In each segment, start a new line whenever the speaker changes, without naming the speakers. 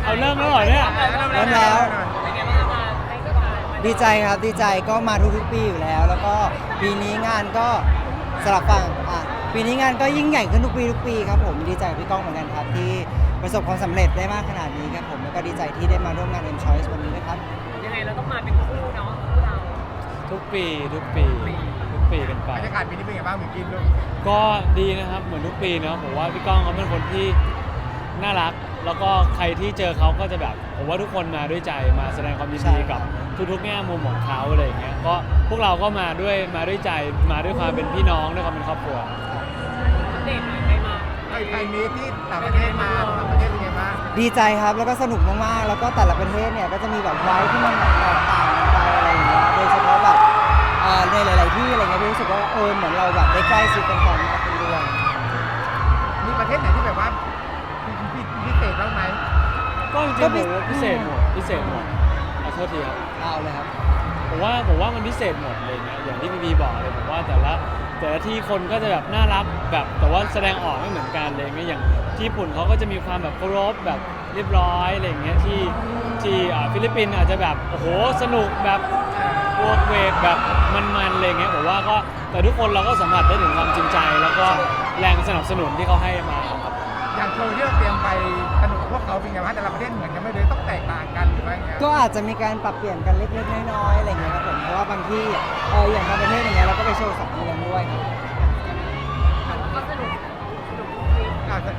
เอาเริ่มแล้วเหรอเนี่ย
เริ่มแล้ว
เป็นไงบ้างมาให้กับการ
ดีใจครับดีใจก็มาทุกๆปีอยู่แล้ว แล้วก็ปีนี้งานก็สลับฝั่งปีนี้งานก็ยิ่งใหญ่ขึ้นทุกปีครับผมดีใจกับพี่ก้องเหมือนกันครับที่ประสบความสำเร็จได้มากขนาดนี้ครับผมแล้วก็ดีใจที่ได้มาร่วมงาน M Choice วันนี้ด้วยครับ
ยังไงเราต้องมาเป็นคู่เนาะคู่เรา
ทุกปีกันไป
บรรยากาศปีนี้เป็นไงบ้างมิวกินลูก
ก็ดีนะครับเหมือนทุกปีเนาะผมว่าพี่ก้องเขาเป็นคนที่น่ารัก แล้วก็ใครที่เจอเขาก็จะแบบผมว่าทุกคนมาด้วยใจมาแสดงความยินดีกับทุกๆแง่มุมของเขาอะไรอย่างเงี้ยก็พวกเราก็มาด้วยใจมาด้วยความเป็นพี่น้องด้วยความเป็นครอบครัว
อัปเดตหน่อยได้มา
ใครมีที่ต่างประเทศมาต่างประเทศเป็นไงบ้าง
ดีใจครับแล้วก็สนุกมากๆแล้วก็แต่ละประเทศเนี่ยก็จะมีแบบไว้ที่มันแบบแตกต่างกันไปอะไรอย่างเงี้ยโดยเฉพาะแบบในหลาย ๆ ที่อะไรเงี้ยพี่รู้สึกว่าเหมือนเราแบบได้ใกล้ชิดกันก่อนมากขึ้นด้วย
มีประเทศไหนที่แบบว่าพิเศษบ้างไหม
ก็จริงๆผมว่าพิเศษหมดขอโทษทีครับ
เอาเลยครับ
ผมว่ามันพิเศษหมดเลยเนี่ยอย่างที่พี่บอกเลยผมว่าแต่ละที่คนก็จะแบบน่ารักแบบแต่ว่าแสดงออกไม่เหมือนกันเลยอย่างที่ญี่ปุ่นเขาก็จะมีความแบบเคารพแบบเรียบร้อยอะไรอย่างเงี้ยที่ฟิลิปปินส์อาจจะแบบโอ้โหสนุกแบบโวกเวกแบบมันๆอะไรเงี้ยผมว่าก็แต่ทุกคนเราก็สัมผัสได้ถึงความจริงใจ แล้วก็แรงสนับสนุนที่เขาให้มาครับ
อย่างโชว์ที่เราเตรียมไปสนุกกับพวกเขาเป็นไงบ้างแต่ละประเทศเหมือนกันไม่เลยต้องแตกต่างกันหรือว่าไง
ก็อาจจะมีการปรับเปลี่ยนกันเล็ก ๆ น้อย ๆ อะไรเงี้ยครับผมเพราะว่าบางที่อย่างบางประเทศอย่างเงี้ยเราก็ไปโชว์สองเมืองด้วยครับ
แต่ว่าก็สนุกทุกทริป
อาจจะ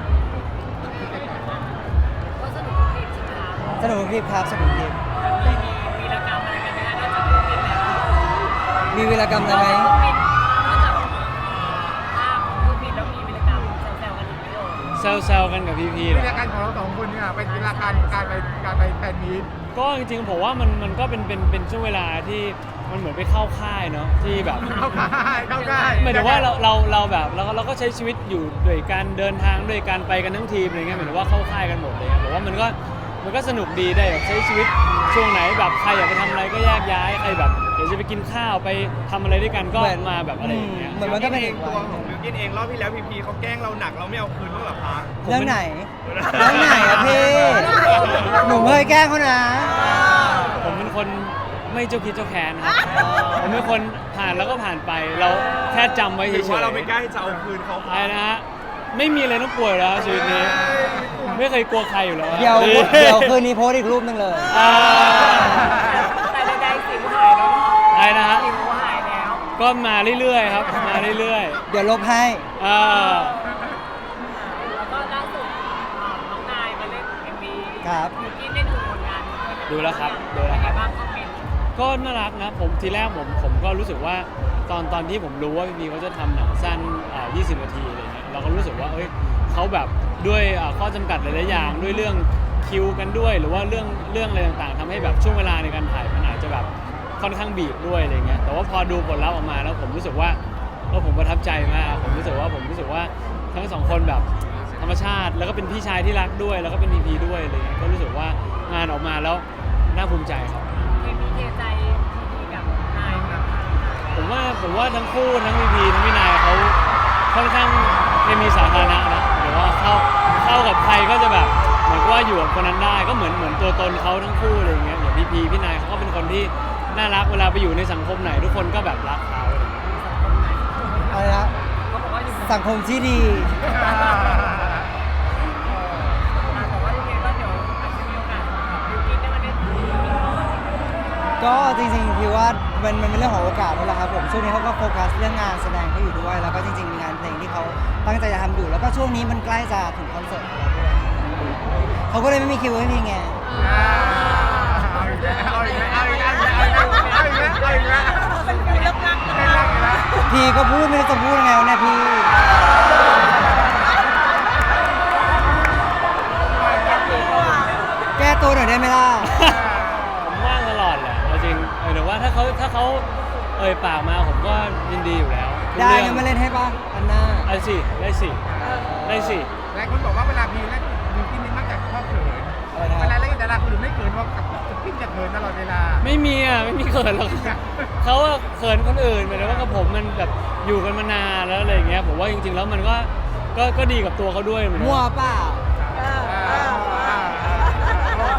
ก็สนุกทุกทริปใช่ไหมคะ
สนุกคลิปครับสนุกคลิป
เลยมีวีรกรรมอะไรกันไหมคะนอกจากเครื่องบินแล้ว
มีวีรกรรมอะไรไหม
นอกจากภาพของเครื่องบินแล้วมีวีรกรรมแซวๆกันอีกไหมโย
แซวๆกันกับพี่ๆ
วิ
เหรอ
ธีการของเราสองคนเนี่ยเป็นเวลาการไปแฟนมีต
ก็จริงๆผมว่ามันก็เป็นช่วงเวลาที่มันเหมือนไปเข้าค่ายเนาะที่แบบ
เข้าได้
หมายถึงว่าเราแบบเราก็ใช้ชีวิตอยู่ด้วยการเดินทางด้วยการไปกันทั้งทีมอะไรเงี้ยหมายถึงว่าเข้าค่ายกันหมดเลยผมว่ามันก็สนุกดีได้แบบใช้ชีวิตช่วงไหนแบบใครอยากไปทำอะไรก็แยกย้ายใครแบบเดี๋ยวจะไปกินข้าวไปทำอะไรด้วยกันก็มาแบบอะไรอย่างเงี้ย
เหมือนมันก็เป็นอีก
ตัว
วัน
ของบิวกินเองรอบที่แล้วพีเขาแกล้งเราหนักเราไม่เอาคืนบ้างเหรอคะ
เรื่องไหนอะพี่หนูเคยแกล้งเขานะ
ผมเป็นคนไม่เจ้าคิดเจ้าแค้นครับผมเป็นคนผ่านแล้วก็ผ่านไปเราแค่จำไว้
ห
เฉ
รื
ย
อ
ๆ
ว่าเราไม่กล้าที่จะเอาคืนเขา
อะไรนะฮะไม่มีอะไรต้องกลัวอยู่แล้วชีวิตนี้ไม่เคยกลัวใครอยู่แล้วอะ
เดี๋ยวคืนนี้โพสต์อีกรูปหนึงเลย
อ่า
แต่ใดๆสิวหายแล้วเนาะ
อะไรนะฮะ
สิวหายแล้ว
ก็มาเรื่อยๆครับมาเรื่อย
เดี๋ยวลบให้
ๆอ่า
แล้วก็ล่าสุดน้องนายมาเล่น MV
ครับ
มิวกี้ได้ดูผลงานด้วยนะ
ดูแล้วครับดู
เป็
แล้ว
น
ค
ไง
รับ
บ้างคอมเมนต์
ก็น่ารักนะผมทีแรกผมก็รู้สึกว่าตอนที่ผมรู้ว่าพี่เขาจะทำหนังสั้น20 นาทีอะไรเงี้ยเราก็รู้สึกว่าเอ้ยเขาแบบด้วยข้อจำกัดหลายๆอย่างด้วยเรื่องคิวกันด้วย หรือว่าเรื่องอะไรต่างๆทำให้แบบช่วงเวลาในการถ่ายมันอาจจะแบบค่อนข้างบีบด้วยอะไรเงี้ยแต่ว่าพอดูผลลัพธ์ออกมาแล้วผมรู้สึกว่าผมประทับใจมากผมรู้สึกว่าทั้งสองคนแบบธรรมชาติแล้วก็เป็นพี่ชายที่รักด้วย แล้วก็เป็นพีด้วยอะไรเงี้ยก็รู้สึกว่างานออกมาแล้วน่าภูมิใจครับ
เคมีเทใจพีกับนายแบบ
ผมว่าทั้งคู่ทั้งพีพีทั้งพี่นายเขาค่อนข้างเคมีสาธารณะนะหรือว่าเข้ากับใครก็จะแบบเหมือนกับว่าอยู่กับคนนั้นได้ก็เหมือนตัวตนเขาทั้งคู่อะไรอย่างเงี้ยอย่างพีพีพี่นายเขาก็เป็นคนที่น่ารักเวลาไปอยู่ในสังคมไหนทุกคนก็แบบรักเขาอะไรอย่างเงี้ย
อะไรนะ
เขาบอกว่าอยู่
สังคมที่ดี
แต่ว่ายังไงก็เดี๋ยวอาจจะมีโอกาสบิวกิ้นได้มาเล่น
ก็จริงๆพี่ว่ามันเป็นเรื่องของโอกาสนั่นแหละครับผมช่วงนี้เขาก็โฟกัสเรื่องงานแสดงเขาอยู่ด้วย แล้วก็จริงๆมีงานเพลงที่เขาตั้งใจจะทำอยู่ แล้วก็ช่วงนี้มันใกล้จะถึงคอนเสิร์ตของเราด้วยเขาก็เลยไม่มีคิวให้พี่ไง
เอาอีกแล้ว
เป็นฟิลเลิกรักนะ
พี่ก็พูดไม่รู้จะพูดยังไงวะเนี่ยพี่แก้ตัวหน่อยได้ไหมล่ะ
ผมว่างตลอดแหละเอาจริงหรือว่าถ้าเขาเอ่ยปากมาผมก็ยินดีอยู่แล้วทุก
ได้
เรื่อง
งั้นมาเล่นให้ป่ะอันหน้า
ได้สิหลาย
คนบอกว่าเวลาพีเล่นบิวกินนี่มักจะชอบเขิน
อะไรนะ
เวลาเล่นแต่ละคนอื่นไม่เขินว่ากับพี่จะเขินตลอดเวลา
ไม่มีเขินหรอกเขาอะเขินคนอื่นหมายถึงว่ากับผมมันแบบอยู่กันมานานแล้วอะไรอย่างเงี้ยผมว่าจริงๆแล้วมันก็ดีกับตัวเขาด้วยเหมือนกัน
มั่วเปล่า
โอ้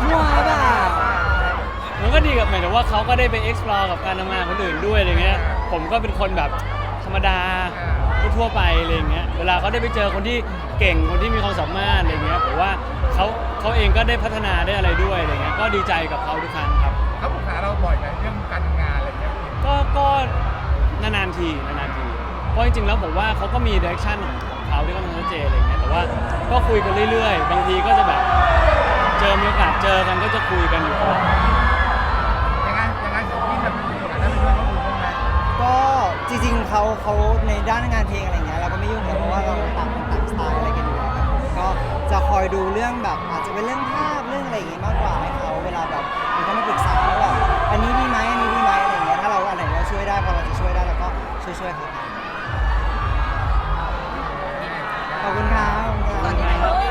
ดีกับหมายถึงว่าเขาก็ได้ไป explore กับการทำงานคนอื่นด้วยอะไรเงี้ยผมก็เป็นคนแบบธรรมดาทั่วไปอะไรเงี้ยเวลาเขาได้ไปเจอคนที่เก่งคนที่มีความสามารถอะไรเงี้ยผมว่าเขาเองก็ได้พัฒนาได้อะไรด้วยอะไรเงี้ยก็ดีใจกับเขาทุกครั้งครับ
เขาปรึกษาเราบ่อยไหมเรื่องการทำงานอะไรเงี้ย
ก็นานๆทีเพราะจริงๆแล้วผมว่าเขาก็มี direction ของเขาที่ค่อนข้างชัดเจนอะไรเงี้ยแต่ว่าก็คุยกันเรื่อยๆบางทีก็จะแบบมีโอกาสเจอกันก็จะคุยกันอยู่ตลอด
ยังไงของพี่แบบมีโอกาสได้ไปช่วยเขาดูบ้างไหม
ก็จริงๆเขาในด้านงานเพลงอะไรเงี้ยเราก็ไม่ยุ่งเลยเพราะว่าเราต่างคนต่างสไตล์อะไรกันอยู่แล้วครับผมก็จะคอยดูเรื่องแบบอาจจะเป็นเรื่องภาพเรื่องอะไรอย่างงี้มากกว่าให้เขาเวลาแบบมันก็มาปรึกษาว่าแบบอันนี้ดีไหมอะไรอย่างเงี้ยถ้าเราอันไหนเราช่วยได้พอเราจะช่วยได้เราก็ช่วยเขาขอบคุณครับ